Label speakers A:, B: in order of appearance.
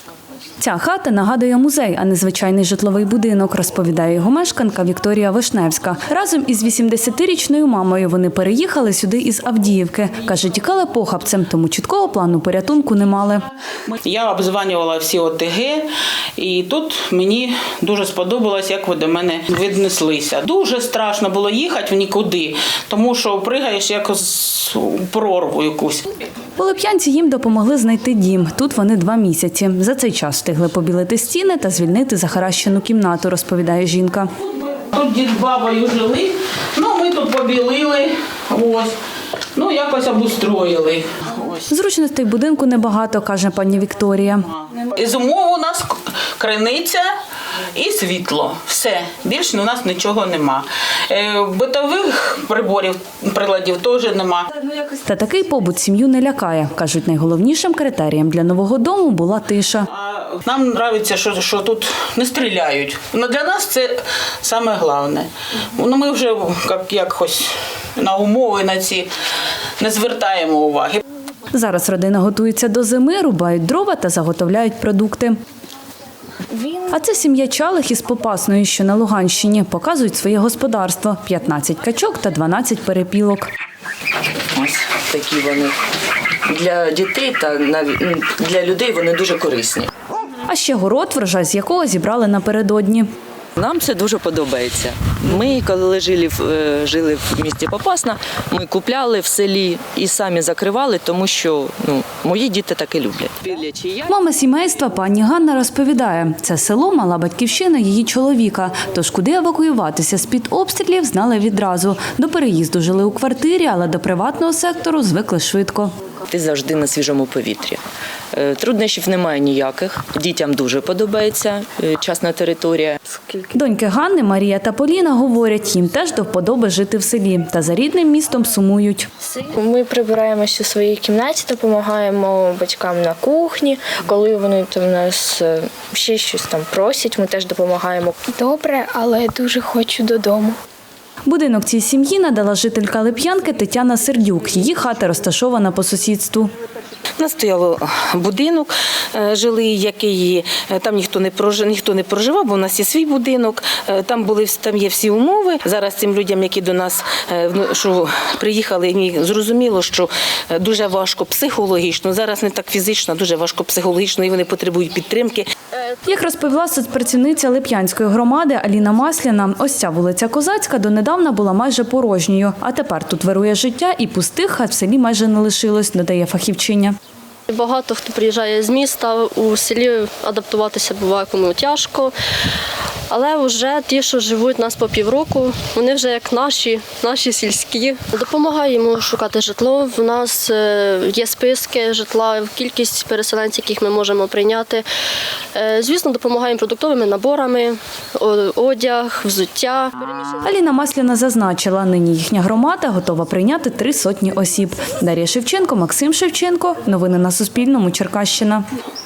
A: Ця хата нагадує музей, а не звичайний житловий будинок, розповідає його мешканка Вікторія Вишневська. Разом із 80-річною мамою вони переїхали сюди із Авдіївки. Каже, тікали похабцем, тому чіткого плану порятунку не мали.
B: Я обдзвонювала всі ОТГ, і тут мені дуже сподобалось, як ви до мене віднеслися. Дуже страшно було їхати в нікуди, тому що пригаєш якось у прорву якусь.
A: У Лип'янці їм допомогли знайти дім. Тут вони 2 місяці. За цей час встигли побілити стіни та звільнити захаращену кімнату, розповідає жінка.
B: Тут дід з бабою жили, ми тут побілили, якось обустроїли.
A: Зручностей будинку небагато, каже пані Вікторія.
B: Із умов у нас криниця і світло. Все. Більше у нас нічого нема. Битових приладів теж нема.
A: Та такий побут сім'ю не лякає. Кажуть, найголовнішим критерієм для нового дому була тиша.
B: Нам подобається, що тут не стріляють. Для нас це саме головне. Ми вже якось на умови на ці не звертаємо уваги.
A: Зараз родина готується до зими, рубають дрова та заготовляють продукти. А це сім'я Чалих із Попасної, що на Луганщині. Показують своє господарство – 15 качок та 12 перепілок.
C: Ось такі вони. Для дітей та для людей вони дуже корисні.
A: А ще город, врожай з якого зібрали напередодні.
C: Нам це дуже подобається. Ми, коли жили в місті Попасна, ми купляли в селі і самі закривали, тому що мої діти так і люблять.
A: Мама сімейства пані Ганна розповідає, це село мала батьківщина її чоловіка, тож куди евакуюватися з-під обстрілів знали відразу. До переїзду жили у квартирі, але до приватного сектору звикли швидко.
C: Ти завжди на свіжому повітрі. Труднощів немає ніяких. Дітям дуже подобається частна територія.
A: Доньки Ганни, Марія та Поліна говорять, їм теж до вподоби жити в селі. Та за рідним містом сумують.
D: Ми прибираємося у своїй кімнаті, допомагаємо батькам на кухні. Коли вони в нас ще щось там просять, ми теж допомагаємо.
E: Добре, але дуже хочу додому.
A: Будинок цій сім'ї надала жителька Лип'янки Тетяна Сердюк. Її хата розташована по сусідству.
F: У нас стояв будинок жилий, який там ніхто не проживав, бо у нас є свій будинок. Там є всі умови. Зараз цим людям, які до нас приїхали, зрозуміло, що дуже важко психологічно. Зараз не так фізично, а дуже важко психологічно, і вони потребують підтримки.
A: Як розповіла соцпрацівниця Лип'янської громади Аліна Масляна, ось ця вулиця Козацька донедавна була майже порожньою. А тепер тут вирує життя і пустих хат в селі майже не лишилось, додає фахівчиня.
G: Багато хто приїжджає з міста, у селі адаптуватися буває кому тяжко. Але вже ті, що живуть у нас по півроку, вони вже як наші сільські. Допомагаємо шукати житло. У нас є списки житла, кількість переселенців, яких ми можемо прийняти. Звісно, допомагаємо продуктовими наборами, одяг, взуття.
A: Аліна Масляна зазначила, нині їхня громада готова прийняти 300 осіб. Дар'я Шевченко, Максим Шевченко. Новини на Суспільному. Черкащина.